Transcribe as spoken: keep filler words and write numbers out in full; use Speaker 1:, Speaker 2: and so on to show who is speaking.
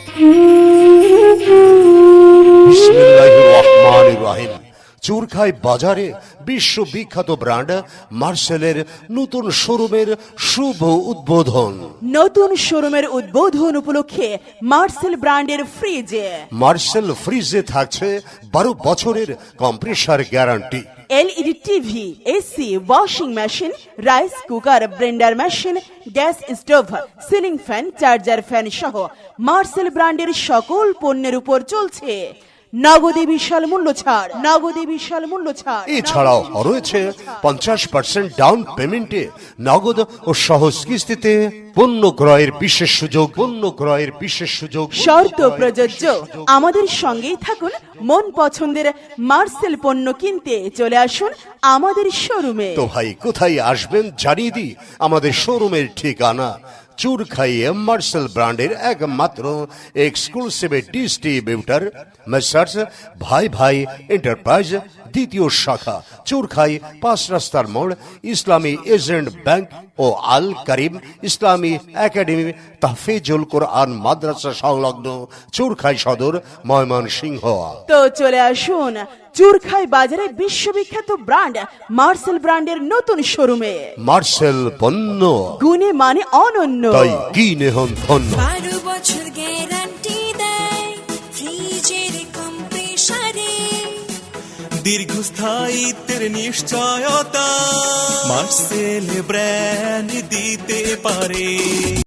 Speaker 1: বিসমিল্লাহির রহমানির রহিম। চুরখাই বাজারে বিশ্ববিখ্যাত ব্র্যান্ড মার্সেলের নতুন শোরুমের শুভ উদ্বোধন।
Speaker 2: নতুন শোরুমের উদ্বোধন উপলক্ষে মার্সেল ব্র্যান্ডের ফ্রিজে
Speaker 1: মার্সেল ফ্রিজে থাকছে বারো বছরের compressor guarantee.
Speaker 2: LED TV, AC, washing machine, rice cooker, blender machine, gas stove, ceiling fan, charger fan সহ মার্সেল ব্র্যান্ডের সকল পণ্যের উপর চলছে নগদে বিশাল মূল্য ছাড়। নগদে বিশাল মূল্য ছাড়।
Speaker 1: এছাড়াও রয়েছে পঞ্চাশ পার্সেন্ট ডাউন পেমেন্টে নগদ ও সহজ কিস্তিতে পণ্য ক্রয়ের বিশেষ সুযোগ। পণ্য ক্রয়ের বিশেষ সুযোগ
Speaker 2: শর্ত প্রযোজ্য। আমাদের সঙ্গেই থাকুন। মন পছন্দের মার্সেল পণ্য কিনতে চলে আসুন আমাদের শোরুমে।
Speaker 1: তো ভাই কোথায় আসবেন জানিয়ে দিই আমাদের শোরুমের ঠিকানা। চুরখাইয়ে মার্সেল ব্র্যান্ডের একমাত্র এক্সক্লুসিভ ডিস্ট্রিবিউটর মেসার্স ভাই ভাই এন্টারপ্রাইজ, দ্বিতীয় শাখা চুরখাই, পাঁচ রাস্তার মোড়, ইসলামী এজেন্ট ব্যাংক ও আল করিম ইসলামী একাডেমি তাহফিজুল কোরআন মাদ্রাসা সংলগ্ন চুরখাই সদর, ময়মনসিংহ।
Speaker 2: তো চলে আসুন চুরখাই বাজারে বিশ্ববিখ্যাত ব্র্যান্ড মার্সেল ব্র্যান্ডের নতুন শোরুমে।
Speaker 1: মার্সেল পণ্য
Speaker 2: গুণে মানে অনন্য,
Speaker 1: তাই কিনে হন ধন্য।
Speaker 3: বারো বছর গ্যারান্টি দেয় ফ্রিজের কম্প্রেসারে,
Speaker 4: দীর্ঘস্থায়িত্বের নিশ্চয়তা মার্সেল ব্র্যান্ড দিতে পারে।